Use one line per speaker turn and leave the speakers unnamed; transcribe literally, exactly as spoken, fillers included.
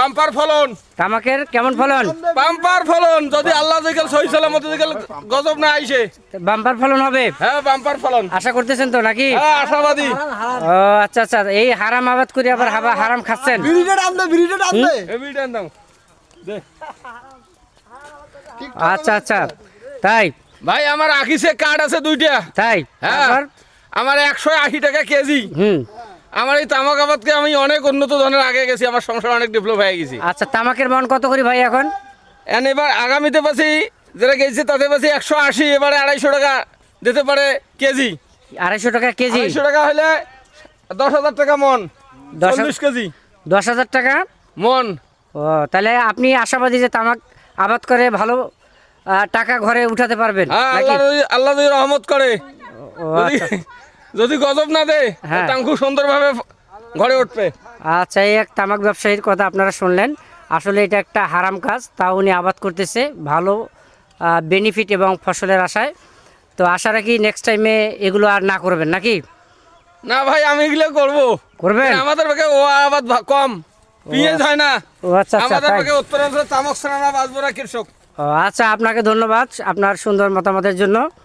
Bumper ফলন।
তামাকের কেমন ফলন?
বাম্পার ফলন, যদি আল্লাহ দিকেল সহি সালামত দিকেল গজব না আইছে
বাম্পার ফলন হবে।
হ্যাঁ বাম্পার ফলন
আশা করতেছেন তো নাকি?
হ্যাঁ আশাবাদী।
ও আচ্ছা আচ্ছা, এই হারাম আবাদ করে আবার হাবা- হারাম খাচ্ছেন।
বিড়িটা টান দে, বিড়িটা টান দে।
এবিটান দাও দে।
আচ্ছা আচ্ছা, তাই
ভাই আমার আখিসে কার্ড আছে দুইটা।
তাই
হ্যাঁ
তারপর?
আমার একশো আশি টাকা কেজি।
হুম
আমার এই তামাক আবাদকে আমি অনেক উন্নত ধরনের আগে গেছি, আমার সংসার অনেক ডেভেলপ হয়ে গেছি।
আচ্ছা, তামাকের মন কত করি ভাই এখন?
এন এবার আগামীতে পাচ্ছি যেটা গেছে তাতে পাচ্ছি একশো আশি, এবারে আড়াইশো টাকা দিতে পারে কেজি।
আড়াইশো টাকা কেজি?
আড়াইশো টাকা হলে দশ হাজার টাকা মন,
দশ হাজার-
চল্লিশ কেজি
দশ হাজার টাকা
মন।
ও, তাহলে আপনি আশাবাদী যে তামাক আবাদ করে ভালো আহ, টাকা ঘরে উঠাতে পারবেন
হ্যাঁ
নাকি?
আল্লাহ যদি আল্লাহ যদি রহমত করে,
ও,
যদি
আচ্ছা
যদি গজব না দেয়
হ্যাঁ।
তাং খুব সুন্দরভাবে ঘরে উঠবে।
আচ্ছা, এই এক তামাক ব্যবসায়ীর কথা আপনারা শুনলেন। আসলে এটা একটা হারাম কাজ, তাও উনি আবাদ করতেছে ভালো বেনিফিট এবং ফসলের আশায়। তো আশা রাখি নেক্সট টাইমে এগুলো আর না করবেন নাকি?
না ভাই আমি এগুলো করবো।
করবেন?
আমাদের পক্ষে ও আবাদ ভা- কম, পিঁয়াজ হয় না।
ও আচ্ছা আচ্ছা,
আমাদের
তাই।
পক্ষে উত্তরাঞ্চল তামাক ছাড়া না বাঁচবো না কৃষক।
ও আচ্ছা, আপনাকে ধন্যবাদ আপনার সুন্দর মতামতের জন্য।